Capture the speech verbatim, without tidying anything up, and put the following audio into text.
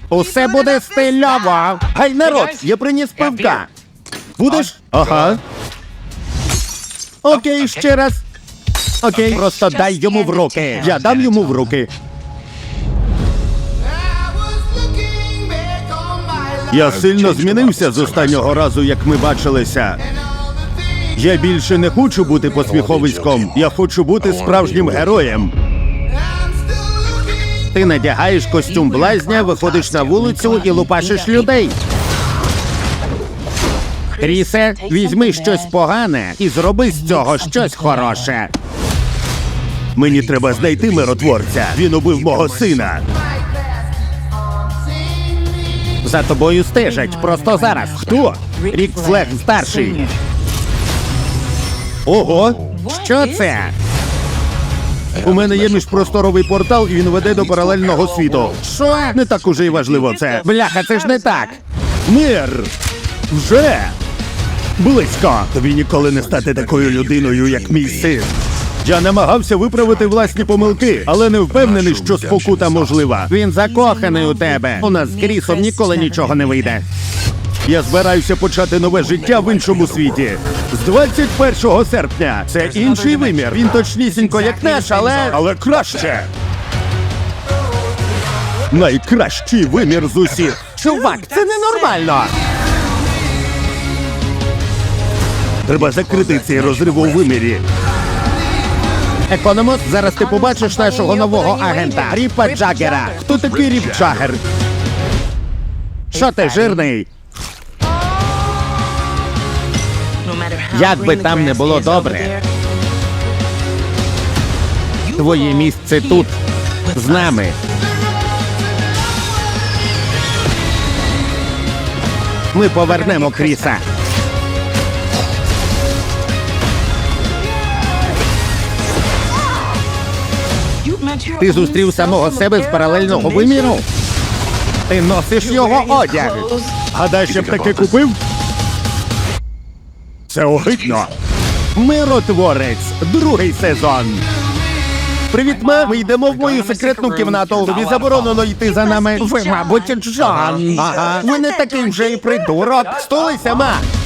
Усе буде стильово. Гай, народ, я приніс пивка. Будеш? Ага. Окей, ще раз. Окей, просто дай йому в руки. Я дам йому в руки. Я сильно змінився з останнього разу, як ми бачилися. Я більше не хочу бути посміховиськом. Я хочу бути справжнім героєм. Ти надягаєш костюм блазня, виходиш на вулицю і лупашиш людей. Крісе, візьми щось погане і зроби з цього щось хороше. Мені треба знайти миротворця. Він убив мого сина. За тобою стежать просто зараз. Хто? Рік Флег старший. Ого! Що це? У мене є міжпросторовий портал, і він веде до паралельного світу. Що? Не так уже й важливо це. Бляха, це ж не так. Мир! Вже! Близько! Тобі ніколи не стати такою людиною, як мій син. Я намагався виправити власні помилки, але не впевнений, що спокута можлива. Він закоханий у тебе. У нас з Крісом ніколи нічого не вийде. Я збираюся почати нове життя в іншому світі. З двадцять першого серпня. Це інший вимір. Він точнісінько як наш, але... Але краще. Найкращий вимір з усіх. Чувак, це ненормально. Треба закрити цей розрив у вимірі. Економос, зараз ти побачиш нашого нового агента, Ріпа Джаггера. Хто такий Ріп Джаггер? Що ти, жирний? Як би там не було добре, твоє місце тут, з нами. Ми повернемо Кріса. Ти зустрів самого себе з паралельного виміру? Ти носиш його одяг. Гадаєш, я б таки купив? Це огидно. Миротворець. Другий сезон. Привіт, ма. Ми йдемо в мою секретну кімнату. Тобі заборонено йти за нами. Ви, мабуть, Джон. Ага. Ви не такий вже і придурок. Стулися, ма.